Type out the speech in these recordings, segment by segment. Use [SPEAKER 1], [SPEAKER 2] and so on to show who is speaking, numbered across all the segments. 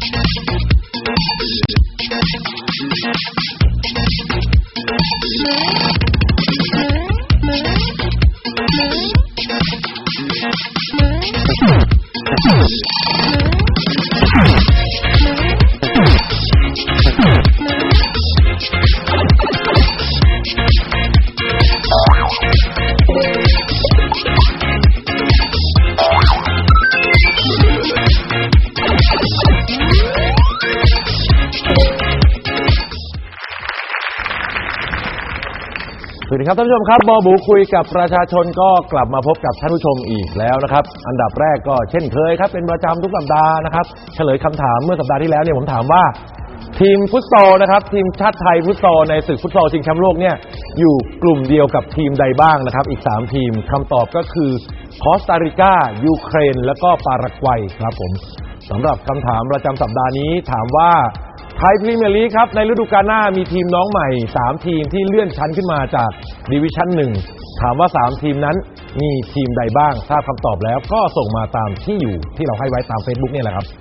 [SPEAKER 1] สวัสดีครับท่านผู้ชมครับบอบูคุยกับประชาชนก็กลับมาพบกับท่านผู้ชมอีกแล้วนะครับอันดับแรกก็เช่นเคยครับเป็นประจำทุกสัปดาห์นะครับเฉลยคำถามเมื่อสัปดาห์ที่แล้วเนี่ยผมถามว่าทีมฟุตซอลนะครับทีมชาติไทยฟุตซอลในศึกฟุตซอลชิงแชมป์โลกเนี่ยอยู่กลุ่มเดียวกับทีมใดบ้างนะครับอีก3ทีมคำตอบก็คือคอสตาริกายูเครนและก็ปารากวัยครับผมสำหรับคำถามประจำสัปดาห์นี้ถามว่าไทยพรีเมียร์ลีกครับในฤดูกาลหน้ามีทีมน้องใหม่3ทีมที่เลื่อนชั้นขึ้นมาจากดิวิชั่น1ถามว่า3ทีมนั้นมีทีมใดบ้างทราบคำตอบแล้วก็ส่งมาตามที่อยู่ที่เราให้ไว้ตาม Facebook เนี่ยแหละครับ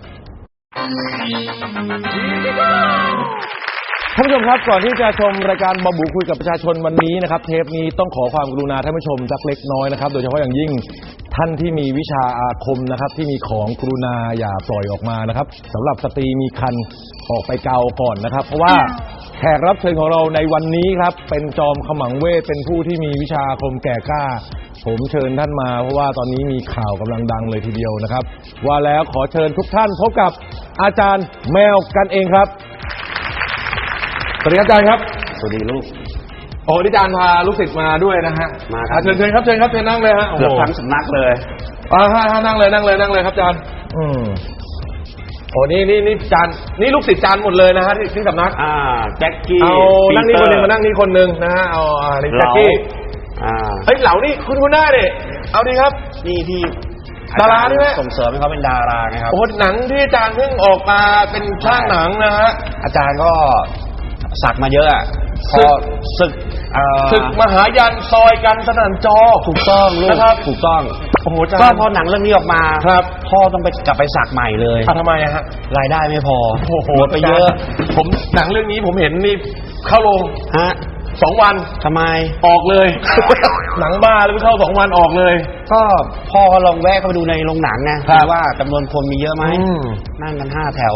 [SPEAKER 1] ท่านผู้ชมครับก่อนที่จะชมรายการบอบูคุยกับประชาชนวันนี้นะครับเทปนี้ต้องขอความกรุณาท่านผู้ชมสักเล็กน้อยนะครับโดยเฉพาะอย่างยิ่งท่านที่มีวิชาอาคมนะครับที่มีของกรุณาอย่าปล่อยออกมานะครับสำหรับสตรีมีครรภ์ออกไปเกาก่อนนะครับเพราะว่าแขกรับเชิญของเราในวันนี้ครับเป็นจอมขมังเวทเป็นผู้ที่มีวิชาอาคมแก่กล้าผมเชิญท่านมาเพราะว่าตอนนี้มีข่าวกำลังดังเลยทีเดียวนะครับว่าแล้วขอเชิญทุกท่านพบกับอาจารย์แมวกันเองครับสวัสดีครับอาจารย์ครับ
[SPEAKER 2] สวัสดีลูก
[SPEAKER 1] โอ้อาจารย์พาลูกศิษย์มาด้วยนะฮะ
[SPEAKER 2] มาครับ
[SPEAKER 1] เชิญครับเชิญนั่งเลยฮะ
[SPEAKER 2] เกือบทั้งสำนักเลย
[SPEAKER 1] นั่งเลยครับอาจารย์โอ้นี่อาจารย์นี่ลูกศิษย์อาจารย์หมดเลยนะฮะที่สำนัก
[SPEAKER 2] แจ็คกี้
[SPEAKER 1] เอานั่งนี่คนนึงมานั่งนี่คนนึงนะฮะเอานี่แจ็คกี้เฮ้ยเหล่านี่คุณหน้าดิเอาดีครับ
[SPEAKER 2] นี่ที่
[SPEAKER 1] ดาราใช่ไหม
[SPEAKER 2] ส่งเสริมให้เขาเป็นดาราไงครับ
[SPEAKER 1] โอ้หนังที่อาจารย์เพิ่งออกมาเป็นช่างหนังนะฮะ
[SPEAKER 2] อาจารย์ก็สักมาเยอะพอศึก
[SPEAKER 1] มหายันซอยกันสนั่นจอ
[SPEAKER 2] ถูกต้องลูก
[SPEAKER 1] นะครับ
[SPEAKER 2] ถูกต้อง
[SPEAKER 1] โอ้โห
[SPEAKER 2] ก็พอหนังเรื่องนี้ออกมา
[SPEAKER 1] ครับ
[SPEAKER 2] พ่อต้องไปกลับไปสักใหม่เลย
[SPEAKER 1] ทำไมฮะ
[SPEAKER 2] รายได้ไม่พอหมดไปเยอะ
[SPEAKER 1] ผมหนังเรื่องนี้ผมเห็นนี่เข้าโรง
[SPEAKER 2] ฮะ
[SPEAKER 1] 2 วัน
[SPEAKER 2] ทำไม
[SPEAKER 1] ออกเลยหนังบ้าแล้วไปเข้า2 วันออกเลย
[SPEAKER 2] ก็พ่อก็ลองแวะเข้าไปดูในโรงหนังไงว่าจำนวนคนมีเยอะไหมนั่งกัน5 แถว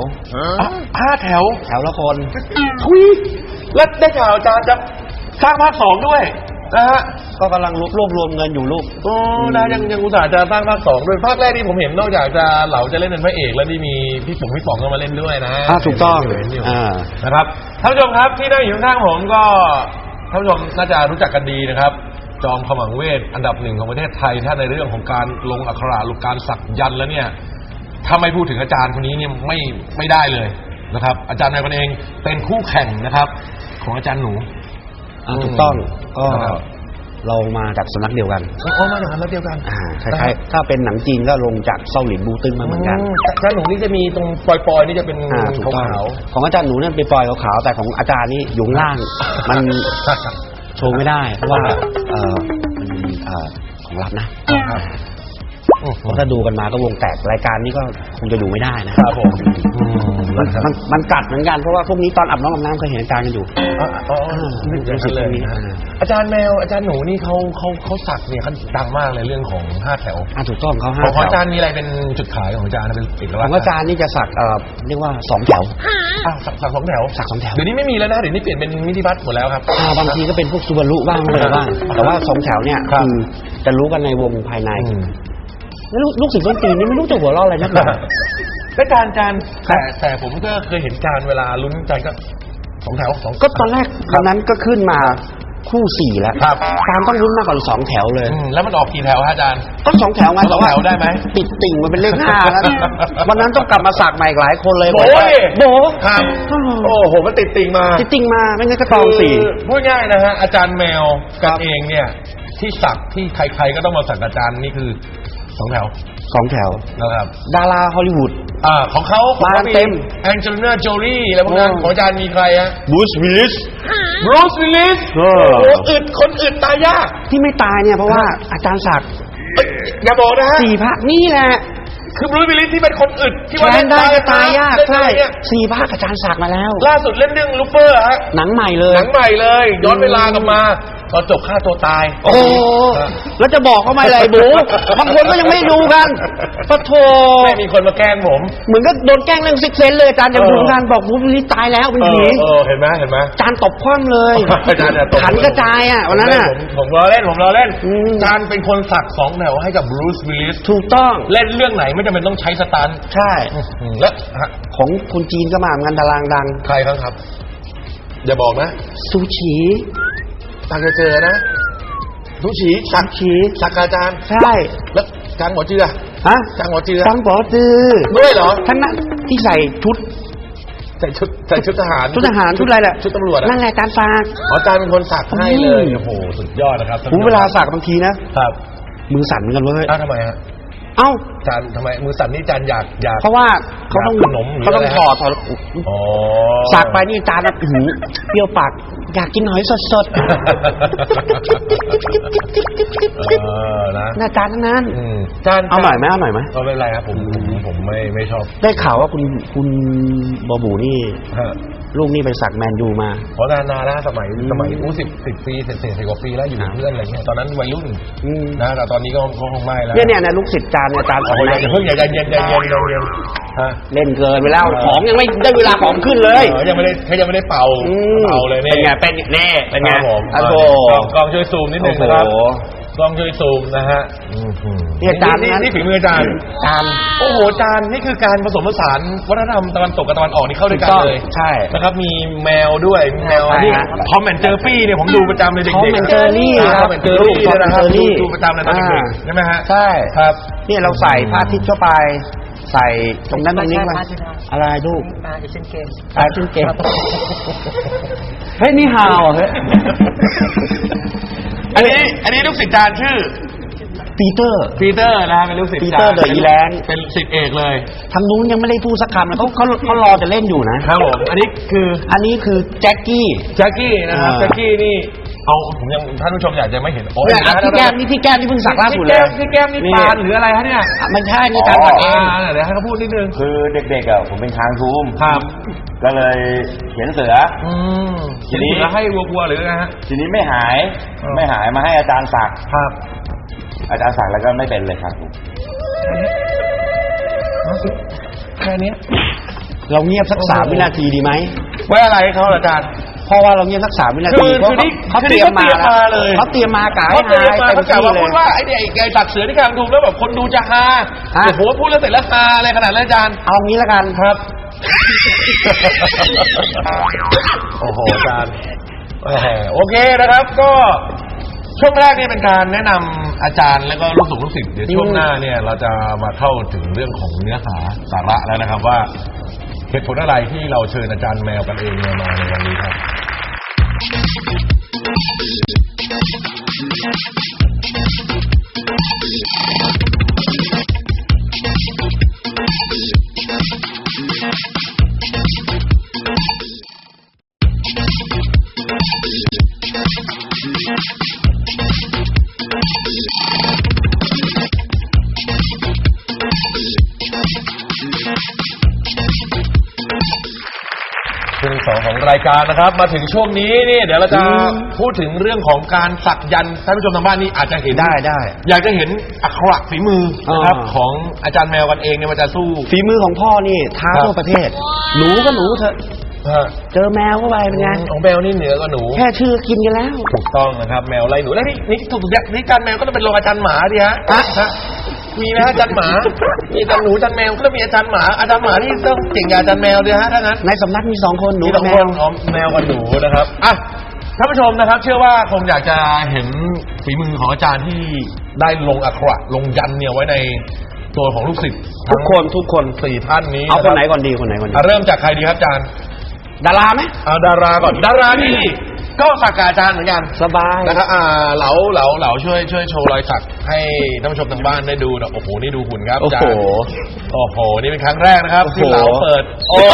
[SPEAKER 1] 5 แถว
[SPEAKER 2] ละคน
[SPEAKER 1] ทุยแล้วได้ข่าวอาจารย์จะสร้างภาค2ด้วยนะฮะ
[SPEAKER 2] ก็กำลังรวบรวมเงินอยู่ลูก
[SPEAKER 1] นะยังอุตส่าห์จะสร้างภาค2ด้วยภาคแรกที่ผมเห็นนอกจากจะเหลาจะเล่นเป็นพระเอกแล้วที่มีพี่ป๋องก็มาเล่นด้วยนะ
[SPEAKER 2] ถูกต้อง
[SPEAKER 1] นะครับท่านผู้ชมครับที่นั่งอยู่ข้างผมก็ท่านผู้ชมน่าจะรู้จักกันดีนะครับจอมขมังเวทอันดับ1ของประเทศไทยถ้าในเรื่องของการลงอักขระหรือการสักยันต์แล้วเนี่ยถ้าไม่พูดถึงอาจารย์คนนี้เนี่ยไม่ได้เลยนะครับอาจารย์นายคนเองเป็นคู่แข่งนะครับของอาจารย์หนู
[SPEAKER 2] ถูกต้องก็เรามาจากสำนักเดียวกัน
[SPEAKER 1] มาจากสำนักเดียวกัน
[SPEAKER 2] คล้ายๆถ้าเป็นหนังจีนก็ลงจากเซาหลินบูตึงมาเหมือนกัน
[SPEAKER 1] อาจารย์หนูนี่จะมีตรงปลอยๆนี่จะเป็นขาว
[SPEAKER 2] ของอาจารย์หนูเนี่ยเป็นปลอยขาวแต่ของอาจารย์นี่อยู่ล่างมันโชว์ไม่ได้เพราะว่ามันของลับนะถ้าดูกันมาก็วงแตกรายการนี้ก็คงจะดูไม่ได้นะครับ
[SPEAKER 1] ผม
[SPEAKER 2] มันกัดเหมือนกันเพราะว่าพวกนี้ตอนอาบน้ำเคยเห็นอาจารย์กันอยู่
[SPEAKER 1] รู้สึกเลยอาจารย์แมวอาจารย์หนูนี่เขาสักเนี่ยเขาดังมากเลยเรื่องของ5 แถว
[SPEAKER 2] ถูกต้องเขา5 แถว
[SPEAKER 1] ของอาจารย์มีอะไรเป็นจุดขายของอาจารย์เป็นเอกลักษณ์
[SPEAKER 2] ของอาจารย์นี่จะสักเรียกว่า2 แถว
[SPEAKER 1] สัก2 แถวเดี๋ยวนี้ไม่มีแล้วนะเดี๋ยวนี้เปลี่ยนเป็นมินิบัสหมดแล้วครับ
[SPEAKER 2] บางทีก็เป็นพวกซูบารุบ้างอะไรบ้างแต่ว่า2 แถวเนี่ยคือจะรู้กันในวงภายในลูกศิษย์ต้นตีนนี่ไม่รู้จะหัวเราะอะไรนักหนา
[SPEAKER 1] และการแต่ผมก็เคยเห็นการเวลาลุ้นใจก็2 แถว
[SPEAKER 2] ก็ตอนแรกตอนนั้นก็ขึ้นมาคู่4แล้วการต้องลุ้นมากกว่า2 แถวเลย
[SPEAKER 1] แล้วมันออกกี่แถวอาจารย์
[SPEAKER 2] ก็2 แถวไง
[SPEAKER 1] แต่ว่าได้ไหม
[SPEAKER 2] ติดติ่งมันเป็นเลข5แล้ววันนั้นต้องกลับมาสักใหม่หลายคนเลย
[SPEAKER 1] โบครับโอ้โหมันติดติ่งมา
[SPEAKER 2] ไม่งั้นก็ตอง4
[SPEAKER 1] พูดง่ายนะฮะอาจารย์แมวกันเองเนี่ยที่สักที่ใครๆก็ต้องมาสักอาจารย์นี่คือ2 แถวนะครับ
[SPEAKER 2] ดาราฮอลลีวูด
[SPEAKER 1] ของเขา
[SPEAKER 2] มาเต็ม
[SPEAKER 1] แองเจลิน่าโจลี่อะไรพวกนั้นของอาจารย์มีใครฮะ
[SPEAKER 2] บรูซวิลลิส
[SPEAKER 1] คนอึดตายยาก
[SPEAKER 2] ที่ไม่ตายเนี่ยเพราะว่าอาจารย์สัก
[SPEAKER 1] อย่าบอกนะฮะ
[SPEAKER 2] 4 ภาคนี่แหละ
[SPEAKER 3] คือบรูซวิลลิสที่เป็นคนอึดที่ว่า
[SPEAKER 2] แทนได้ก็ตายยาก
[SPEAKER 3] ใช่
[SPEAKER 2] ใช่4 ภาคอาจารย์ศักดิ์มาแล้ว
[SPEAKER 3] ล่าสุดเล่นเรื่องลูเฟอร์ฮะ
[SPEAKER 2] หนังใหม่เลย
[SPEAKER 3] หนังใหม่เลย ย้อนเวลากลับมาตอนจบฆ่าตัวตาย
[SPEAKER 2] โอ้โหแล้วจะบอกเขาไหมอะไรบูบางคนก็ยังไม่ดูกันปะโถ
[SPEAKER 3] ไม่มีคนมาแกล้งผม
[SPEAKER 2] เหมือนก็โดนแกล้งเรื่องซิกเซนเลยอาจารย์ยังดูกันบอกบูบนี่ตายแล้วเป็นผี
[SPEAKER 3] เห็นไหม
[SPEAKER 2] อาจารย์ตบคว่ำเลย
[SPEAKER 3] อาจารย์เนี่ยตบ
[SPEAKER 2] ขันกระจายอ่ะวันนั้นอ่ะ
[SPEAKER 3] ผมรอเล่นอาจารย์เป็นคนสัก2 แถวให้กับบรูซวิลลิส
[SPEAKER 2] ถูกต้อง
[SPEAKER 3] เล่นเรื่องไหนไม่จำเป็นต้องใช้สตันท์
[SPEAKER 2] ใช่
[SPEAKER 3] แล้ว
[SPEAKER 2] ของคนจีนก็มาเหมือนกันดารางดัง
[SPEAKER 3] ใครครับอย่าบอกนะ
[SPEAKER 2] ซูชิ
[SPEAKER 3] ตาจะเจอนะทุชีสักอาจารย์
[SPEAKER 2] ใช่
[SPEAKER 3] แล้วจางหมอเจือ
[SPEAKER 2] ฮะ
[SPEAKER 3] จางหมอเจือ
[SPEAKER 2] จังบอจือ
[SPEAKER 3] ด้วยเหรอ
[SPEAKER 2] ท่านนั้นที่ใส่ชุด
[SPEAKER 3] ใส่ชุดทหาร
[SPEAKER 2] ชุดอะไรแหละ
[SPEAKER 3] ชุดตำรวจอะ
[SPEAKER 2] นั่นแหละอาจารย์ฝาก
[SPEAKER 3] อาจารย์เป็นคนสักให้เลยโอ้โหสุดยอดนะครับ
[SPEAKER 2] ผมเวลาสักบางทีนะครับ มือสั่นเหมือนกันเว้ย
[SPEAKER 3] ทำไมฮะ
[SPEAKER 2] เอ้า
[SPEAKER 3] อาจารย์ทำไมมือสั่นนี่อาจารย์อยาก
[SPEAKER 2] เพราะว่าเขาต้อง
[SPEAKER 3] ขนมหรือ
[SPEAKER 2] เขาต้อง
[SPEAKER 3] อะไร
[SPEAKER 2] ถอด
[SPEAKER 3] อ๋อ
[SPEAKER 2] สักไปนี่อาจารย์หูเปรี้ยวปากอยากกินหอยสด
[SPEAKER 3] นะ
[SPEAKER 2] ๆอาจารย์ทั้งนั้น
[SPEAKER 3] อาจารย์
[SPEAKER 2] เอาหน่อยไหมเอาหน่อยไหม
[SPEAKER 3] ก็ไม่เป็นไรครับผมไม่ชอบ
[SPEAKER 2] ได้ข่าวว่าคุณบอบูนี่
[SPEAKER 3] ฮะ
[SPEAKER 2] ลูกนี่ไปสักแมนยูมา
[SPEAKER 3] เพราะนานแล้วสมัย10 ปีเศษ10 กว่าปีแล้วอยู่กับเพื่อนอะไรเงี้ยตอนนั้นวัยรุ่นนะแต่ตอนนี้ก็คงไม่แล้ว
[SPEAKER 2] เนี่ยลูกศิษย์อาจารย์เนี่ยอาจารย์ออก
[SPEAKER 3] อย่าเพิ่งอย่าเย็นฮะ
[SPEAKER 2] เล่นเกินไปแล้วของยังไม่ได้เวลาของขึ้นเลย
[SPEAKER 3] ยังไม่ได้เป่าเลย
[SPEAKER 2] เป็นไงเป็นไง
[SPEAKER 3] ครับผม
[SPEAKER 2] โอ้โห
[SPEAKER 3] กล้องช่วยซูมนิดนึงนะครับกล้องช่วยซูมนะฮะ
[SPEAKER 2] นี่อาจารย์
[SPEAKER 3] นี่ฝีมืออาจารย์โอ้โหอาจารย์นี่คือการผสมผสานวัฒนธรรมตะวันตกกับตะวันออกนี่เข้าด้วยกันเลย
[SPEAKER 2] ใช่
[SPEAKER 3] นะครับมีแมวด้วยแมวนี่ทอมแอนด์เจอร์ปี้เนี่ยผมดูประจำเลยเด็กๆ
[SPEAKER 2] ทอมแอนด์เจอรี่
[SPEAKER 3] ทอมแอนด์เจอรี่นะครับดูประจำเลยตอนเด็กๆใช่ไหมฮะ
[SPEAKER 2] ใช่
[SPEAKER 3] ครับ
[SPEAKER 2] เนี่ยเราใส่ผ้าทิพย์เข้าไป ใส่ตรงนั้นตรงนี้มาอะไรลูกเอเชียนเกมเฮ้ยนี่ฮาวเฮ้ย
[SPEAKER 3] อันนี้ลูกศิษย์อาจารย์ชื่อ
[SPEAKER 2] ปีเตอร์
[SPEAKER 3] นะฮะเป็นลูกศิษย์
[SPEAKER 2] ปีเตอร์เดอะอีแลนด์
[SPEAKER 3] เป็นศิษย์เอกเลย
[SPEAKER 2] ทางนู้นยังไม่ได้พูดสักคำเลยเขารอจะเล่นอยู่นะครับ
[SPEAKER 3] ผมอันนี้คือ
[SPEAKER 2] แจ็คกี้
[SPEAKER 3] นะครับแจ็คกี้นี่เอาผมยังท่านผู้ชมอยากจะไม่เห็นโอ้ย
[SPEAKER 2] เนี่ยพี่แก้มนี่เพิ่งสักล่าสุดเลย
[SPEAKER 3] พี่แก้มนี่ปานหรืออะไรฮะเนี่ย
[SPEAKER 2] ไม่ใช่นี่การสักเอง
[SPEAKER 3] เดี๋ยวให้เขาพูดนิดนึง
[SPEAKER 4] คือเด็กๆอ่ะผมเป็นคางทูม
[SPEAKER 3] ครับ
[SPEAKER 4] ก็เลยเขียนเสือ
[SPEAKER 3] ทีนี้ให้วัวหรือไงฮะ
[SPEAKER 4] ทีนี้ไม่หายมาให้อาจารย์สัก
[SPEAKER 3] ครับ
[SPEAKER 4] อาจารย์สักแล้วก็ไม่เป็นเลยครับ
[SPEAKER 3] แค่นี้
[SPEAKER 2] เราเงียบสัก3 วินาทีดีไหม
[SPEAKER 3] ไว้อะไรเขาอาจารย์
[SPEAKER 2] เพราะว่าเราเงียบสัก3 วินาทีเพราะเขาเตรียมมาเลยเขาเตรียมมากะให้
[SPEAKER 3] เขาเตรียมมา
[SPEAKER 2] เต็ม
[SPEAKER 3] เขากะ
[SPEAKER 2] ที่
[SPEAKER 3] ว่า
[SPEAKER 2] เล
[SPEAKER 3] พู
[SPEAKER 2] ย
[SPEAKER 3] ดว่าไอ้สัตว์เสือที่กำลังถูกแล้วแบบคนดูจะฮาโอ้โหพูดแล้วเสร็จแล้วฮาอะไรขนาดนั้นอาจารย์
[SPEAKER 2] เอางี้ละกัน
[SPEAKER 3] ครับ โอ้โหอาจารย์โอเคนะครับ ก็ช่วงแรกนี่เป็นการแนะนำอาจารย์แล้วก็ลูกศิษย์เดี๋ยวช่วงหน้าเนี่ยเราจะมาเข้าถึงเรื่องของเนื้อหาสาระแล้วนะครับว่าเหตุผลอะไรที่เราเชิญอาจารย์แมวกันเองมาในวันนี้ครับช่วงที่ 2ของรายการนะครับมาถึงช่วงนี้นี่เดี๋ยวเราจะพูดถึงเรื่องของการสักยันต์ท่านผู้ชมทางบ้านนี่อาจจะเห็นได้อยากจะเห็นอักขระฝีมือนะครับของอาจารย์แมวกันเองเนี่ยมันจะสู้
[SPEAKER 2] ฝีมือของพ่อนี่ท้าทั่วประเทศหนูก็หนูเถอะเจอแมวเข้าไปเป็นไง
[SPEAKER 3] ของแมวนี่เหนือกว่าหนู
[SPEAKER 2] แค่ชื่อกินกันแล้ว
[SPEAKER 3] ถูกต้องนะครับแมวไล่หนูแล้วนี่ถูกนี่อาจารย์แมวก็ต้องเป็นรองอาจารย์หมาดิฮะมีนะอาจารย์หมามีอาจารย์หนูอาจารย์แมวก็ต้องมีอาจารย์หมานี่ต้องเก่งกับอาจารย์แมวดิฮะถ้างั้น
[SPEAKER 2] ในสำนักมี2 คนหนู
[SPEAKER 3] มี
[SPEAKER 2] กับ
[SPEAKER 3] 2
[SPEAKER 2] แม
[SPEAKER 3] คว นแมวกับหนูนะครับอ่ะท่านผู้ชมนะครับเชื่อว่าคงอยากจะเห็นฝีมือของอาจารย์ที่ได้ลงอักขระลงยันต์เนี่ยไว้ในตัวของลูกศิษย์ทุกคน4 ท่านนี้
[SPEAKER 2] เอาคนไหนก่อนดี
[SPEAKER 3] เริ่มจากใครดีครับอาจารย์
[SPEAKER 2] ดาราไหม
[SPEAKER 3] เอาดาราก่อนดารานี่ก็สักกับอาจารย์เหมือนกัน
[SPEAKER 2] สบาย
[SPEAKER 3] นะครับเหลาช่วยโชว์รอยสักให้ท่านผู้ชมทางบ้านได้ดูนะโอ้โหนี่ดูหุ่นครับอาจารย์โอ้โหนี่เป็นครั้งแรกนะครับที่เหลาเปิดโอ้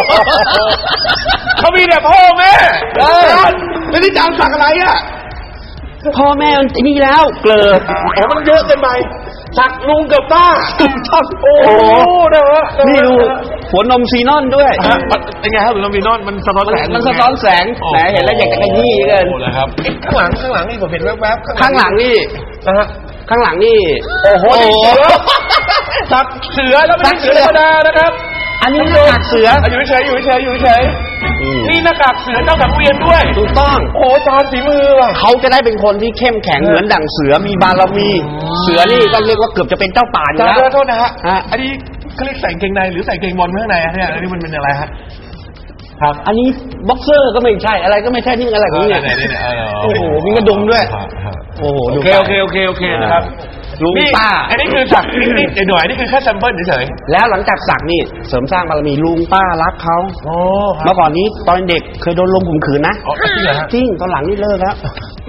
[SPEAKER 3] เขามีแต่พ่อแม่แล้วนี่อาจารย์สักอะไรอ่ะ
[SPEAKER 2] พ่อแม่มันนี่แล้วเกลือ
[SPEAKER 3] มันเยอะเกินไปสักลุงกับป้าโอ้โหนะฮะ
[SPEAKER 2] นี่ดูหัวนมซีนอนด้วย
[SPEAKER 3] เป็นไงครับหรือลำบีนอนมันสะท้อนแสง
[SPEAKER 2] มันสะท้อนแสงแหมเห็นแล้วอยากจะขยี้เกิน
[SPEAKER 3] โอ้นะครับข้างหลังนี่ผมเห็นแวบๆ
[SPEAKER 2] ข้างหลังนี่
[SPEAKER 3] นะฮะ
[SPEAKER 2] ข้างหลังนี่
[SPEAKER 3] โอ้โหสักเสือแล้วไม่ใช่เสือธรรมดานะครับ
[SPEAKER 2] อันนี้หน้ากากเสือ
[SPEAKER 3] อยู่เฉยนี่หน้ากากเสือเจ้าสังเวียนด้วย
[SPEAKER 2] ถูกต้อง
[SPEAKER 3] โอ้จานฝีมือว่ะ
[SPEAKER 2] เขาจะได้เป็นคนที่เข้มแข็งเหมือนดั่งเสือมีบารมี เสือนี่ก็เรียกว่าเกือบจะเป็นเจ้าป่าอยู่
[SPEAKER 3] จาน
[SPEAKER 2] แล้ว
[SPEAKER 3] โทษนะฮะ
[SPEAKER 2] ฮะ
[SPEAKER 3] อันนี้เขาเรียกใส่กางเกงในหรือใส่กางเกงบอลข้างในเนี่ยอันนี้มันเป็นอะไรฮะครับ
[SPEAKER 2] อันนี้บ็อกเซอร์ก็ไม่ใช่อะไรก็ไม่ใช่นี่มันอะไรของเนี่ยโอ้โหมีกระดุมด้วยโอ้โห
[SPEAKER 3] โอ
[SPEAKER 2] ดู
[SPEAKER 3] เคนะครับ
[SPEAKER 2] ลุงป้า
[SPEAKER 3] อันนี้คือสักนิดหน่อยนี่คือแค่แซมเปิลเฉย
[SPEAKER 2] แล้วหลังจากสักนี่เสริมสร้างบารมีลุงป้ารักเขา
[SPEAKER 3] ๆโอ้
[SPEAKER 2] เมื่อก่อนนี้ตอนเด็กเคยโดนลงข่มขืนนะ
[SPEAKER 3] จริงเหรอฮะ
[SPEAKER 2] จริงตอนหลังนี่เลิกแล้ว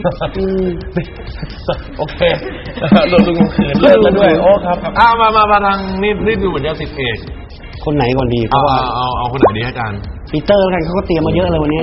[SPEAKER 3] โอเคโดนลุงขืนเลิกแล้วด้วยโอ้ครับมาทางนี่ดูเหมือนจะสิทธิเอก
[SPEAKER 2] คนไหนก่อนดีเพราะว่า
[SPEAKER 3] เอาคนไหนดีอาจารย์
[SPEAKER 2] ปีเตอร์แล้วกันเขาก็เตรียมมาเยอะเลยวันนี้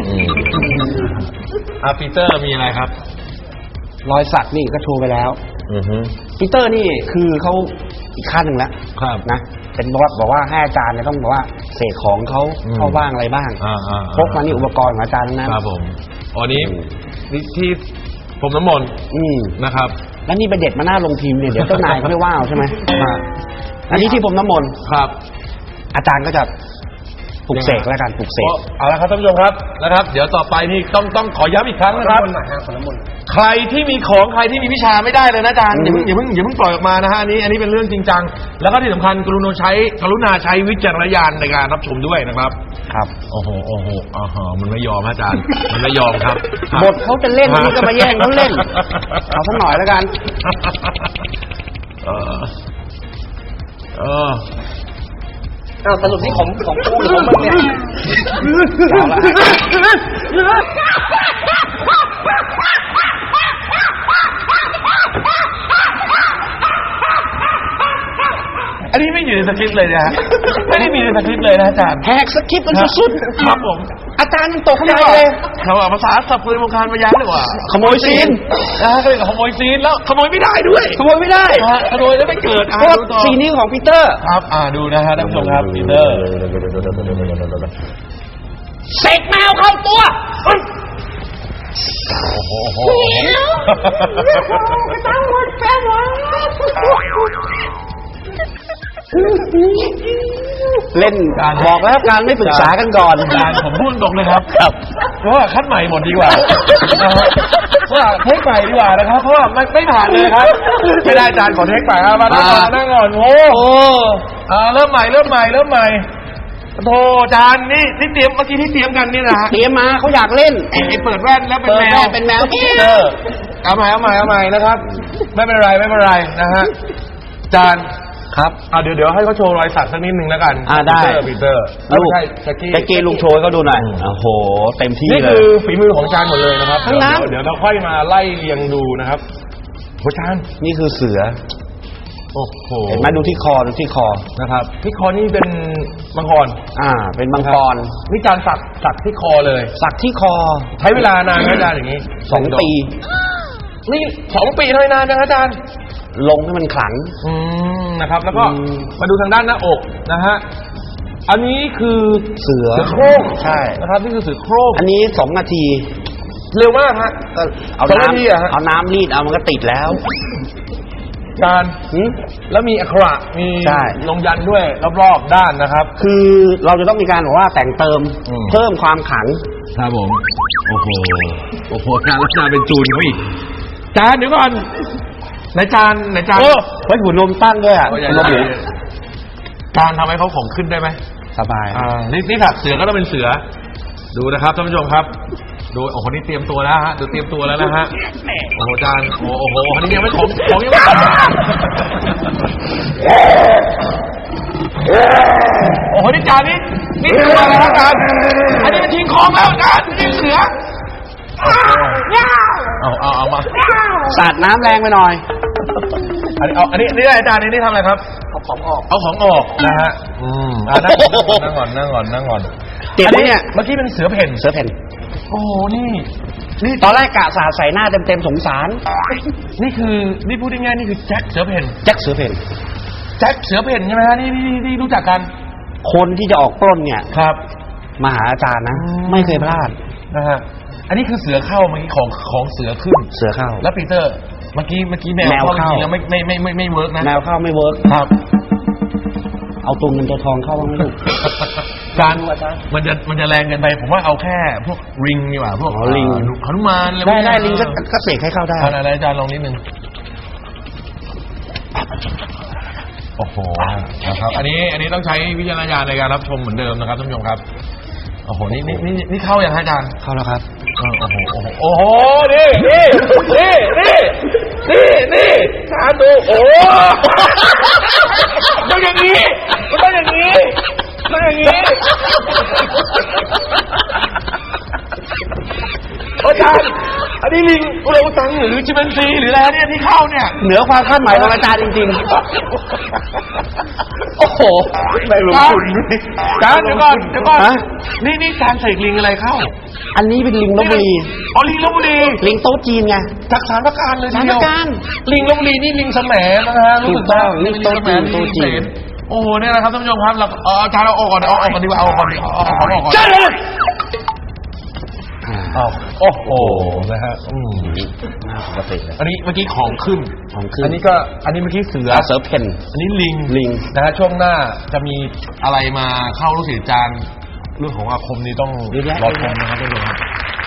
[SPEAKER 3] ปีเตอร์มีอะไรครับ
[SPEAKER 2] รอยสักนี่ก็โชว์ไปแล้วปีเตอร์นี่คือเขาอีกขั้นหนึ่งแล้ว
[SPEAKER 3] ครับ
[SPEAKER 2] นะเป็นบอกว่าให้อาจารย์เนี่ยต้องบอกว่าเสกของเขาเข้าบ้างอะไรบ้างพกมานี่อุปกรณ์ของอาจารย์ทั้งนั้น
[SPEAKER 3] ครับผมอันนี้ที่ผมน้ำมนต์นะครับ
[SPEAKER 2] แล้วนี่ไปเด็ดมาหน้าลงพิมพ์เนี่ยเดี๋ยวเจ้านายเขาไม่ว่าเอาใช่ไหมอันนี้ที่ผมน้ำมนต์
[SPEAKER 3] ครับ
[SPEAKER 2] อาจารย์ก็จะปลุกเสกแล้วกันปลุกเสก
[SPEAKER 3] เอาละครับท่านผู้ชมครับนะครับ เดี๋ยวต่อไปนี่ต้องขอย้ำอีกครั้งนะครับใครที่มีของใครที่มีวิชาไม่ได้เลยนะอาจารย์อย่าเพิ่งปล่อยออกมานะฮะอันนี้เป็นเรื่องจริงจังแล้วก็ที่สำคัญกรุณาใช้วิจารณญาณในการรับชมด้วยนะครับ
[SPEAKER 2] ครับ
[SPEAKER 3] โอ้โหมันไม่ยอมอาจารย์มันไม่ยอมครับ
[SPEAKER 2] บทเขาจะเล่นนี่ก็มาแย่งเขาเล่นเอาสักหน่อยแล้วกันสรุปนี่ของกูหรือของมึงเนี่ยเอาละ
[SPEAKER 3] อันนี้ไม่อยู่ในสคริปต์เลยนะฮะไม่ได้มีในสคริปต์เลยนะอาจารย์
[SPEAKER 2] แหกสคริปต์มันสุดๆ
[SPEAKER 3] ครับผม
[SPEAKER 2] อาจารย์มันตกใจเลย
[SPEAKER 3] เราเอาภาษาสับเปลือยมงคลมาย้ำเลยว่า
[SPEAKER 2] ขโมยซีน
[SPEAKER 3] ก็เลยขโมยซีนแล้วขโมยไม่ได้ด้วย
[SPEAKER 2] ขโมยไม่ได้
[SPEAKER 3] ขโมยแล้วไม่เกิด
[SPEAKER 2] เพราะซีนนี้ของปีเตอร์
[SPEAKER 3] ครับดูนะฮะท่านผู้ชมครับปีเตอร์
[SPEAKER 2] เสกแมวเข้าตัว
[SPEAKER 3] โอ้โห
[SPEAKER 2] เล่นบอกแล้วการไม่ปรึกษากันก่อน
[SPEAKER 3] อาจารย์ผมพูดตรงเลยครับเพราะว่าคัดใหม่หมดดีกว่าว่าเทคใหม่ดีกว่านะครับเพราะว่ามันไม่ผ่านเลยครับไม่ได้อาจารย์ขอเทคใหม่มานั่งก่อนโอ้เริ่มใหม่โธ่อาจารย์นี่เตรียมเมื่อกี้ที่เตรียมกันนี่นะฮะ
[SPEAKER 2] เตรียมมาเขาอยากเล่น
[SPEAKER 3] ไอ้เปิดแว่นแล้วเป็นแมว
[SPEAKER 2] เป็นแมว
[SPEAKER 3] เอาใหม่นะครับไม่เป็นไรนะฮะอาจารย์ครับเดี๋ยวให้เขาโชว์รอยสักสักนิดนึงแล้วกัน
[SPEAKER 2] ได้
[SPEAKER 3] ปีเตอร์
[SPEAKER 2] ลูก
[SPEAKER 3] ใช่แจ็คกี้
[SPEAKER 2] ลุงโชยก็ดูหน่อยโอ้โหเต็มที่
[SPEAKER 3] นี่
[SPEAKER 2] เล
[SPEAKER 3] คื
[SPEAKER 2] ย
[SPEAKER 3] อฝีมือของอาจารย์หมดเลยนะครับ
[SPEAKER 2] ทั้งนั้น
[SPEAKER 3] เดี๋ยวเราค่อยมาไล่เรียงดูนะครับอาจารย์
[SPEAKER 2] นี่คือเสือ
[SPEAKER 3] โอ้โห
[SPEAKER 2] เห็นไหมดูที่คอ
[SPEAKER 3] นะครับที่คอนี่เป็นมังกร
[SPEAKER 2] เป็นมังกร
[SPEAKER 3] นี่อาจารย์สักที่คอเลย
[SPEAKER 2] สักที่คอ
[SPEAKER 3] ใช้เวลานานไหมอาจารย์อย่างนี้
[SPEAKER 2] 2 ปี
[SPEAKER 3] นี่2 ปีเท่านั้นนะอาจารย์
[SPEAKER 2] ลงให้มันขลัง
[SPEAKER 3] นะครับ แล้วก็มาดูทางด้านหน้าอกนะฮะอันนี้คือ
[SPEAKER 2] เสือ
[SPEAKER 3] โคร่ง
[SPEAKER 2] ใช่
[SPEAKER 3] นะครับนี่คือเสือโคร่ง
[SPEAKER 2] อันนี้2 นาที
[SPEAKER 3] เร็วมากฮะ
[SPEAKER 2] ก็เอา
[SPEAKER 3] 2 นาทีอะฮะ
[SPEAKER 2] เอาน้ำรีดเอามันก็ติดแล้ว
[SPEAKER 3] อาจารย์แล้วมีอักขระมี
[SPEAKER 2] ใช่
[SPEAKER 3] ลงยันด้วยรอบๆด้านนะครับ
[SPEAKER 2] คือเราจะต้องมีการบอกว่าแต่งเติมเพิ่มความขลัง
[SPEAKER 3] ครับผมโอ้โหจานลักษณะเป็นจูนเขาอีกจานเดี๋ยวก่อนไหนจาน
[SPEAKER 2] ไว้หุ่นนมตั้งด้วยอ่ะ
[SPEAKER 3] นมหมูจานทำให้เขาของขึ้นได้ไหม
[SPEAKER 2] สบาย
[SPEAKER 3] นี่ถักเสือก็ต้องเป็นเสือดูนะครับท่านผู้ชมครับดูโอ้โหนี่เตรียมตัวแล้วฮะดูเตรียมตัวแล้วนะฮะโอ้โหจานโอ้โหนี่ยังไม่ของยังไม่โอ้โหนี่จานนี่ตัวอะไรครับจานอันนี้มันชิงของแล้วจานนี่เสือเอามา
[SPEAKER 2] สาดน้ำแรงไปหน่อย
[SPEAKER 3] อันนี้อาจารย์นี่ทำอะไรครับเอาของออกนะฮะนั่งก่อน
[SPEAKER 2] เจ็บไหมเนี่ย
[SPEAKER 3] เมื่อกี้เป็นเสือเพ่น
[SPEAKER 2] เสือแผ่น
[SPEAKER 3] โอ้โหนี่
[SPEAKER 2] นี่ตอนแรกกะสาดใส่หน้าเต็มๆสงสาร
[SPEAKER 3] นี่พูดง่ายๆนี่คือแจ็คเสือเพ่น
[SPEAKER 2] แจ็คเสือเพ่น
[SPEAKER 3] แจ็คเสือเพ่นใช่ไหมฮะนี่รู้จักกัน
[SPEAKER 2] คนที่จะออกปล้นเนี่ย
[SPEAKER 3] ครับ
[SPEAKER 2] มาหาอาจารย์นะ
[SPEAKER 3] อืม
[SPEAKER 2] ไม่เคยพลาด
[SPEAKER 3] นะฮะอันนี้คือเสือเข้าเมื่อกี้ของเสือขึ้น
[SPEAKER 2] เสือเข้า
[SPEAKER 3] แล้วปีเตอร์เมื่อกี้แมว
[SPEAKER 2] แมว
[SPEAKER 3] เข้า
[SPEAKER 2] เข้า
[SPEAKER 3] จริงๆแล้วไม่เวิร์กนะ
[SPEAKER 2] แนวเข้าไม่เวิร์ก
[SPEAKER 3] ครับ
[SPEAKER 2] เอาตัวเงินตัวทองเข้าบ้างไหมลูก
[SPEAKER 3] การมันจะแรงเกินไปผมว่าเอาแค่พวกริงดีกว่าพวก
[SPEAKER 2] อ๋อลิง
[SPEAKER 3] หนุมานอะไรพว
[SPEAKER 2] ได้
[SPEAKER 3] กนี้
[SPEAKER 2] ได้ลิงก็เสกให้เข้าได้
[SPEAKER 3] อะไรอาจารย์ลองนิดนึงโอ้โหนะครับอันนี้ต้องใช้วิจารณญาณในการรับชมเหมือนเดิมนะครับท่านผู้ชมครับโอ้โหนี่เข้าอย่างฮะอาจารย์
[SPEAKER 2] เข้าแล้วครับ
[SPEAKER 3] โอ้โหนี่ทานดูโอ้ต้องอย่างนี้ต้องอย่างนี้อาจารย์อันนี้ลิงอุรังอุตังหรือชิมแปนซีหรืออะไรเนี่ยที่เข้าเนี่ย
[SPEAKER 2] เหนือความคาดหมายของอาจารย์จริงๆ โอ้โห
[SPEAKER 3] ไม่ลงทุนจานเดี๋ยวก่อน
[SPEAKER 2] ฮะ
[SPEAKER 3] นี่จานใส่ลิงอะไรเข้า
[SPEAKER 2] อันนี้เป็นลิงลพบุรี
[SPEAKER 3] อ๋อลิงลพบุรี
[SPEAKER 2] ลิงโต๊ะจีนไง
[SPEAKER 3] จากสารพระการเลยที
[SPEAKER 2] สาร
[SPEAKER 3] เดี
[SPEAKER 2] พ
[SPEAKER 3] ยว
[SPEAKER 2] ระการ
[SPEAKER 3] ลิงลพบุรีนี่ลิงแสมนะฮะรู้สึก
[SPEAKER 2] ถูกต้อง
[SPEAKER 3] ลิงแสม
[SPEAKER 2] โต๊ะจีน
[SPEAKER 3] โอ้โหเนี่ยนะครับท่านผู้ชมครับเราอาจารย์เอาออกก่อนเอาออกก่อนดีกว่าเอาออกก่อนดีเอาออกก่อน
[SPEAKER 2] ใช่เลย
[SPEAKER 3] โอ้โหนะฮะ
[SPEAKER 2] น่าปกติเลย
[SPEAKER 3] อันนี้เมื่อกี้ของขึ้น
[SPEAKER 2] ของขึ้น
[SPEAKER 3] อันนี้เมื่อกี้เสือ
[SPEAKER 2] เสือเพ่น
[SPEAKER 3] อันนี้ลิง
[SPEAKER 2] ลิง
[SPEAKER 3] นะฮะช่วงหน้าจะมีอะไรมาเข้าลูกศิษย์อาจารย์เรื่องของอาคมนี่ต้องรอชมนะครับท่านผู้ชมครับ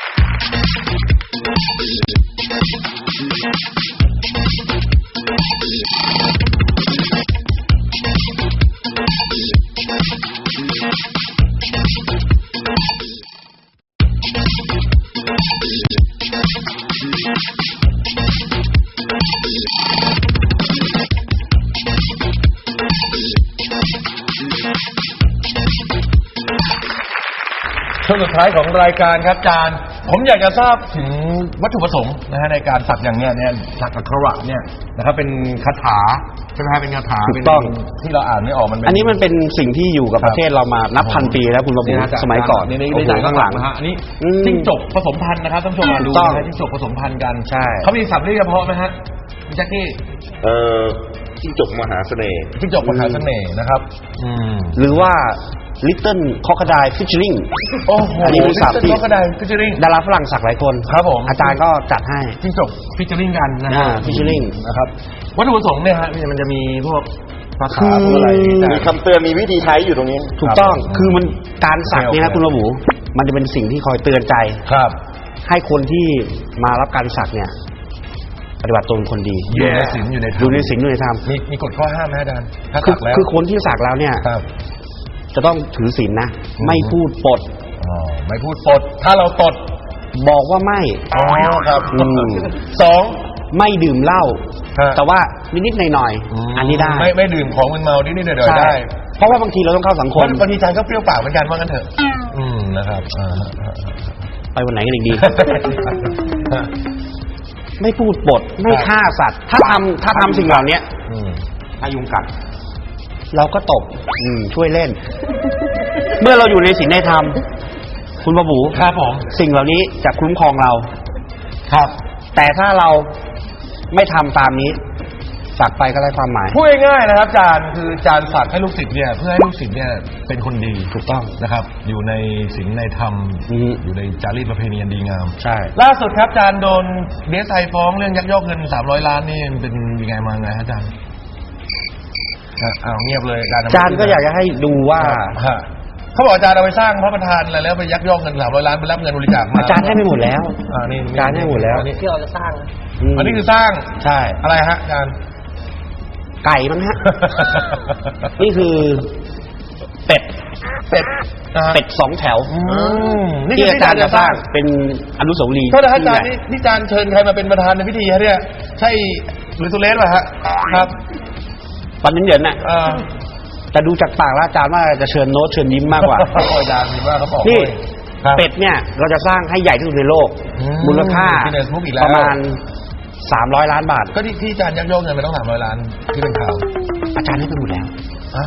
[SPEAKER 3] ช่วงสุดท้ายของรายการครับอาจารย์ผมอยากจะทราบถึงวัตถุประสงค์นะฮะในการสักอย่างเนี้ยสักอักขระเนี่ยนะครับเป็นคาถาใช่ไหมฮะเป็นคาถา
[SPEAKER 2] ถูกต้อง
[SPEAKER 3] เป็นที่เราอ่านไม่ออกมันเป็น
[SPEAKER 2] อันนี้มันเป็นสิ่งที่อยู่กับประเทศเรามานับพันปีแล้วคุณระบุ
[SPEAKER 3] นี่นะ
[SPEAKER 2] สมัยก่อน
[SPEAKER 3] นี่
[SPEAKER 2] โอ้โหข้างหลัง
[SPEAKER 3] นะฮะอันนี้
[SPEAKER 2] อืม
[SPEAKER 3] จิ้งจกผสมพันธุ์นะครับท่านผู้ชมมาดู
[SPEAKER 2] ถูกต้อง
[SPEAKER 3] นะฮะจิ้งจกผสมพันธุ์กัน
[SPEAKER 2] ใช่
[SPEAKER 3] เขามีศัพท์เรียกเฉพาะไหมฮะคุณแจ็คกี้
[SPEAKER 4] จิ้งจกมหาเสน่ห์
[SPEAKER 3] จิ้งจกมหาเสน่ห์นะครับ
[SPEAKER 2] หรือว่า Little Crocodile Featuring
[SPEAKER 3] โอ้โห
[SPEAKER 2] อันนี้คือศัพท์ที่
[SPEAKER 3] ก็ได้ฟิชเชอริง
[SPEAKER 2] ดาราฝรั่งสักหลายคน
[SPEAKER 3] ครับผม
[SPEAKER 2] อาจารย์ก็จัดให้
[SPEAKER 3] จิ้งจกฟิชเชอริงกันนะฮะ
[SPEAKER 2] featuring
[SPEAKER 3] นะครับวัตถุประสงค์เนี่ยฮะมันจะมีพวกภา
[SPEAKER 2] คื
[SPEAKER 3] ษา
[SPEAKER 2] อ
[SPEAKER 3] พวกอะไรที่
[SPEAKER 4] มี
[SPEAKER 3] จะ
[SPEAKER 4] คำเตือนมีวิธีใช้อยู่ตรงนี้
[SPEAKER 2] ถูกต้อง
[SPEAKER 3] ครับ
[SPEAKER 2] คือมันการสักเนี่ย
[SPEAKER 3] โอ
[SPEAKER 2] นะ
[SPEAKER 3] เค
[SPEAKER 2] คุณระบุมันจะเป็นสิ่งที่คอยเตือนใจ
[SPEAKER 3] ครับ
[SPEAKER 2] ให้คนที่มารับการสักเนี่ย ปฏิบัติตนเป็นคนดี
[SPEAKER 3] อยู่ในศีลอยู่ในธรรม
[SPEAKER 2] อยู่ในศีลอยู่ในธรรม
[SPEAKER 3] มีกฎข้อห้ามไหมอาจารย์ถ้า
[SPEAKER 2] คือ
[SPEAKER 3] สักแล้ว
[SPEAKER 2] คือคนที่สักแล้วเนี่ย
[SPEAKER 3] ครับ
[SPEAKER 2] จะต้องถือศีลนะ
[SPEAKER 3] อืม
[SPEAKER 2] ไม่พูดปด
[SPEAKER 3] อ๋อไม่พูดปดถ้าเราตด
[SPEAKER 2] บอกว่าไม่
[SPEAKER 3] อ๋อครับ
[SPEAKER 2] อืม
[SPEAKER 3] สอง
[SPEAKER 2] ไม่ดื่มเหล้า
[SPEAKER 3] ฮะ
[SPEAKER 2] แต่ว่านิดๆหน่อยๆอันนี้ได้
[SPEAKER 3] ไม่ดื่มของมึนเมานิดๆหน่อยๆ
[SPEAKER 2] ใช่
[SPEAKER 3] ได้
[SPEAKER 2] เพราะว่าบางทีเราต้องเข้าสังคม
[SPEAKER 3] บางทีอาจารย์ก็เปรี้ยวปากเหมือนกันว่างั้นเถอะนะครับ
[SPEAKER 2] ไปวันไหนกันอีกดี ไม่พูดปดไม่ฆ่าสัตว์ ถ้าทำสิ่งเหล่านี้
[SPEAKER 4] ถ้ายุงกัด
[SPEAKER 2] เราก็ตบช่วยเล่น เมื่อเราอยู่ในศีลในธรรม คุณประบู
[SPEAKER 3] ครับผม
[SPEAKER 2] สิ่งเหล่านี้จะคุ้มครองเรา
[SPEAKER 3] ครับ
[SPEAKER 2] แต่ถ้าเราไม่ทำตามนี้สักไปก็ได้ความหมาย
[SPEAKER 3] พูดง่ายๆนะครับอาจารย์คืออาจารย์ฝากให้ลูกศิษย์เนี่ยเพื่อให้ลูกศิษย์เนี่ยเป็นคนดี
[SPEAKER 2] ถูกต้อง
[SPEAKER 3] นะครับ อยู่ในศีลในธรรม
[SPEAKER 2] อืม
[SPEAKER 3] อยู่ในจารีตประเพณีอันดีงาม
[SPEAKER 2] ใช่
[SPEAKER 3] ล่าสุดครับอาจารย์โดนDSIฟ้องเรื่องยักยอกเงิน300 ล้านนี่เป็นยังไงมาไงฮะอาจารย์อ้าวเงียบเลย
[SPEAKER 2] อาจารย์ก็อยากจะให้ดูว่า
[SPEAKER 3] ฮะเขาบอกอาจารย์เอาไปสร้างพระประธานอะไรแล้วไปยักยอกเงิน300 ล้านไปรับเงินบริจาคมา
[SPEAKER 2] อาจารย์ให้ไปหมดแล้ว
[SPEAKER 3] นี่
[SPEAKER 2] อาจารย์ให้หมดแล้ว
[SPEAKER 3] อันนี้
[SPEAKER 5] ที่เราจะสร้างนะ
[SPEAKER 3] อันนี้คือสร้าง
[SPEAKER 2] ใช่
[SPEAKER 3] อะไรฮะอาจารย์
[SPEAKER 2] ไก่มั้งฮะ นี่คือเป็ด
[SPEAKER 3] เป็ดนะฮะ
[SPEAKER 2] เป็ด2 แถว
[SPEAKER 3] นี่
[SPEAKER 2] ที่
[SPEAKER 3] คือ
[SPEAKER 2] อาจารย์จะสร้างเป็นอนุสาวรีย์
[SPEAKER 3] โทษนะฮะอาจารย์นี่อาจารย์เชิญใครมาเป็นประธานในพิธีฮะเนี่ยใช่หรือตุเลสป่ะฮะครับ
[SPEAKER 2] ตอนนี้เหยินน่ะ
[SPEAKER 3] อ่า
[SPEAKER 2] แต่ดูจากปากแล้วอาจารย์ว่าจะเชิญโน้ตเชิญยิ้มมากกว่า
[SPEAKER 3] อาจารย์คิดว่าเขาบอก
[SPEAKER 2] นี่
[SPEAKER 3] ครับ
[SPEAKER 2] เป็ดเนี่ยเราจะสร้างให้ใหญ่ที่สุดในโลก มูลค่า
[SPEAKER 3] Guinness Book อีกแล้ว
[SPEAKER 2] ประมาณ300 ล้านบาท
[SPEAKER 3] ก็ที่อาจารย์ยักยอกเงินไปต้อง300 ล้านที่เป็นข่าว
[SPEAKER 2] อาจารย์ให้ไปหมดแล้ว
[SPEAKER 3] ฮะ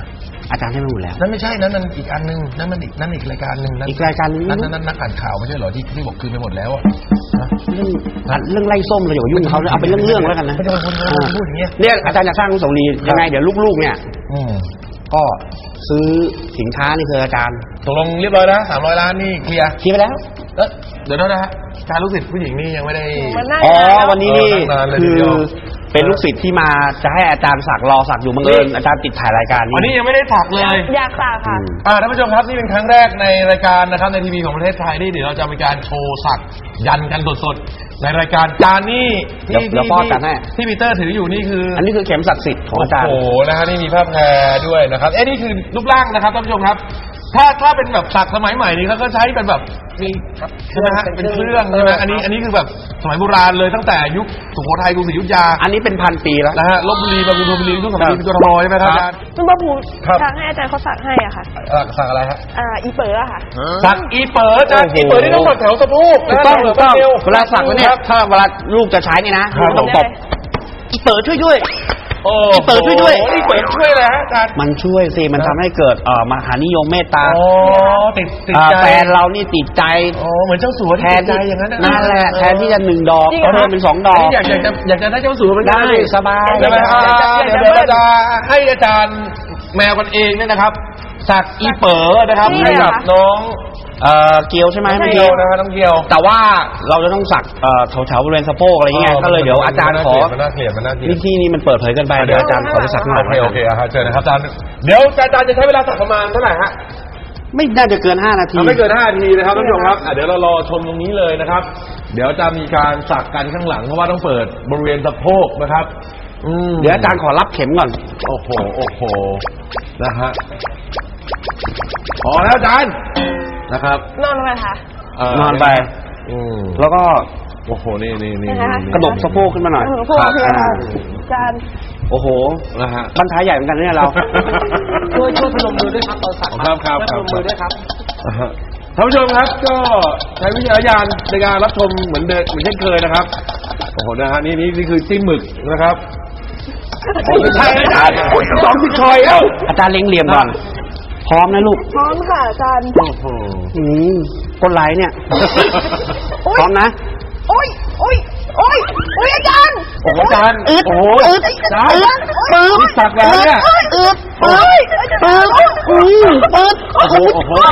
[SPEAKER 2] อาจารย์ให้มาหมดแล้ว
[SPEAKER 3] นั่นไม่ใช่นั่นมันอีกอันนึงนั่นมันอีกรายการนึง
[SPEAKER 2] อีกรายการนึง
[SPEAKER 3] นั่นนักอ่านข่าวไม่ใช่เหรอที่บอกคืนไปหมดแล้วอะ
[SPEAKER 2] เรื่องไล่ส้มเราอย่ายุ่งเขาเลยเอาเป็นเรื่องๆแล้วกันนะ
[SPEAKER 3] ไม่ใช่คนพูดอย่างเงี้ย
[SPEAKER 2] เนี่ยอาจารย์อยากสร้างอนุสาวรีย์ยังไงเดี๋ยวลูกๆเนี่ย ก็ซื้อสินค้านี่คืออาจารย์
[SPEAKER 3] ตกลงเรียบร้อยนะ300 ล้านนี่เคลียร์
[SPEAKER 2] คิดไปแล้ว
[SPEAKER 3] เดี๋ยวนะฮะการลูกศิษย์ผู้หญิงนี่ยังไม่ได้
[SPEAKER 2] อ๋อวันนี้นี่
[SPEAKER 3] นานเลย
[SPEAKER 2] คื
[SPEAKER 3] ที
[SPEAKER 2] อ
[SPEAKER 3] เดียว
[SPEAKER 2] เป็นลูกศิษย์ที่มาจะให้อาจารย์สักรอสักอยู่บังเอิญอาจารย์ติดถ่ายรายการ
[SPEAKER 3] อันนี้ยังไม่ได้สักเลย
[SPEAKER 5] อยากสักค่ะ
[SPEAKER 3] ท่านผู้ชมครับนี่เป็นครั้งแรกในรายการนะครับในทีวีของประเทศไทยนี่เดี๋ยวเราจะมีการโชว์สักยันกันสดๆในรายการจานนี่ที่ปีเตอร์ถืออยู่นี่คือ
[SPEAKER 2] อันนี้คือเข็มศักดิ์สิทธิ์ของอาจารย์
[SPEAKER 3] โอ้โหนะฮะนี่มีภาพแพรด้วยนะครับนี่คือรูปร่างนะครับท่านผู้ชมครับถ้าเป็นแบบสักสมัยใหม่นี่เขาก็ใช้เป็นแบบมีใช่ไหมฮะเป็นเครื่องใช่ไหมอันนี้คือแบบสมัยโบราณเลยตั้งแต่ยุคสุโขทัยกรุงศรีอยุธยา
[SPEAKER 2] อันนี้เป็น1,000 ปีแล้ว
[SPEAKER 3] นะฮะลพบุรีบางขุนพรหมบุรีทุกสมัยเป็นกทมใช่ไหมครับอาจารย์
[SPEAKER 5] คุณพ่อภูมิ
[SPEAKER 3] ครับ
[SPEAKER 5] ทางให้อาจารย์เขาสักให้อ่ะค่ะ
[SPEAKER 3] สักอะไรฮะ
[SPEAKER 5] อีเป๋ออะค่ะ
[SPEAKER 3] สักอีเป๋ออาจารย์อีเป๋อนี่ต้องสักแถวสะโพก
[SPEAKER 2] ถูกต้องถูกต้องเวลาสักแล้วเนี่ยถ้าเวลาลูกจะใช้นี่นะต้องตบอีเปิดช่วยด้วย
[SPEAKER 3] โอ้
[SPEAKER 2] อีเป๋อช่วยด้วย
[SPEAKER 3] อีเป๋อช่วยอะไรฮะอาจารย์
[SPEAKER 2] มันช่วยสิมันทำให้เกิดมหานิยมเมตตา
[SPEAKER 3] โอ้ติดใจ
[SPEAKER 2] แฟนเรานี่ติดใจ
[SPEAKER 3] โอ้เหมือนเจ้าสัว
[SPEAKER 2] แทน
[SPEAKER 3] ติดใจอย่างนั้น
[SPEAKER 2] นั่นแหละแทนที่จะ1 ดอก
[SPEAKER 5] จริงเหรอ
[SPEAKER 2] ก็เพิ่มเป็น2 ดอก
[SPEAKER 3] นี่อยากจะได้เจ้าสัวเหมือนกัน
[SPEAKER 2] ได้สบาย
[SPEAKER 3] ใช่ไหม
[SPEAKER 5] อยากจะ
[SPEAKER 3] เดี๋ยวเราจะให้อาจารย์แมวกันเองเนี่ยนะครับสักอีเป๋อนะครับ
[SPEAKER 5] นี่
[SPEAKER 3] ให้
[SPEAKER 5] เหร
[SPEAKER 3] กั
[SPEAKER 5] อ
[SPEAKER 3] บน้อง
[SPEAKER 2] เกียวใช่ไหม
[SPEAKER 3] น้อง
[SPEAKER 2] ไม่
[SPEAKER 3] เกียวนะฮะน้องเกียว
[SPEAKER 2] แต่ว่าเราจะต้องสักแถวๆบริเวณสะโพกอะไรเงี้ยก็เลยเดี๋ยวอาจารย์ขอ
[SPEAKER 3] มันน่าเกลียดมันน่าเกลียด
[SPEAKER 2] ที่นี่มันเปิดเผยเกันไปเดี๋ยวอาจารย์ขอไปสักหน่อย
[SPEAKER 3] โอเคเชิญนะครับอาจารย์เดี๋ยวอาจารย์จะใช้เวลาสักประมาณเท่าไหร่ฮะ
[SPEAKER 2] ไม่น่าจะเกิน5 นาที
[SPEAKER 3] ไม่เกิน5 นาทีนะครับท่านผู้ชมครับเดี๋ยวเรารอชมตรงนี้เลยนะครับ เดี๋ยวจะมีการสักกันข้างหลังเพราะว่าต้องเปิดบริเวณสะโพกนะครับ
[SPEAKER 2] เดี๋ยวอาจารย์ขอรับเข็มก่อน
[SPEAKER 3] โอ้โหนะฮะพอแล้วอาจารย์นะครับ
[SPEAKER 5] นอนลงไปค่ะ
[SPEAKER 2] นอนไป แล้วก็
[SPEAKER 3] โอ้โหนี่
[SPEAKER 2] กระดกสะโพกขึ้นมาหน่อย
[SPEAKER 5] พวกโอเคค่ะอาจารย์
[SPEAKER 2] โอ้โห
[SPEAKER 3] นะฮะ
[SPEAKER 2] บรรทายใหญ่เหมือนกันเนี่ยเรา
[SPEAKER 5] ช่วยพนมมือด้วยครับตอนสัก
[SPEAKER 3] ครับ
[SPEAKER 5] พนมมือด้วยครับ
[SPEAKER 3] ท่านผู้ชมครับก็ใช้วิจารณญาณในการรับชมเหมือนเช่นเคยนะครับโอ้โหนะฮะนี่คือจิ้มหมึกนะครับไม่ใช่อาจารย์2 ที่ชอยแล้ว
[SPEAKER 2] อาจารย์เล็งเหลี่ยมก่อน พร้อมนะลูก
[SPEAKER 5] พร้อมค่ะอาจารย์
[SPEAKER 3] โอ้โห
[SPEAKER 2] ก้นไหลเนี่ย พร้อมนะ
[SPEAKER 5] โอ้ยอาจารย์
[SPEAKER 3] โอ้โหอาจารย์
[SPEAKER 5] อึด
[SPEAKER 3] โอ้โห
[SPEAKER 5] อึด
[SPEAKER 3] อาจารย์
[SPEAKER 5] ปึ๊บ
[SPEAKER 3] นี่สักแล้วเนี่ย
[SPEAKER 5] อึดปึ๊บ
[SPEAKER 3] โอ้โห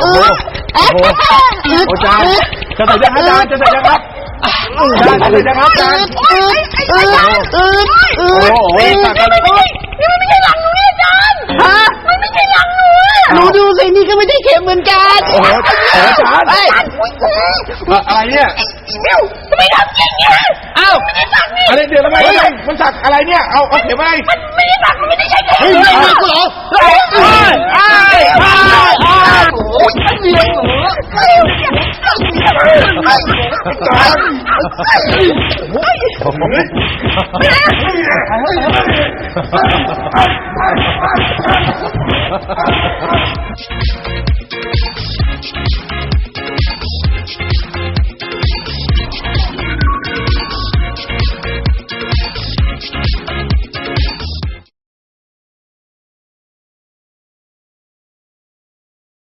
[SPEAKER 3] อาจารย์จะใส่ยังอาจารย์จะใส่ยังครับอาจารย์จะใส่ยังครับอาจารย์โอ้โหสักอะไร
[SPEAKER 5] นี่มันไม่ใช่หลังหนูอาจารย์มันไม่ใช่หลังหนู
[SPEAKER 2] หนูดูสินี่ก็ไม่ได้เข็มเหมือนกัน
[SPEAKER 3] โอ้โหอาจารย์อะไรเนี่ย
[SPEAKER 5] ไม่ทำจริงเนี่ย
[SPEAKER 2] อ้าว
[SPEAKER 5] ไม่ได้สักนี่
[SPEAKER 3] อะไรเดี๋ยวทำไมมันสักอะไรเนี่ยเอาเข็มอะไร
[SPEAKER 5] มันไม่ได้สักมันไม่ได้ใช่เข็ม
[SPEAKER 3] เฮ้ยไม่สักเหรอโอ้ยเดียวเหรอ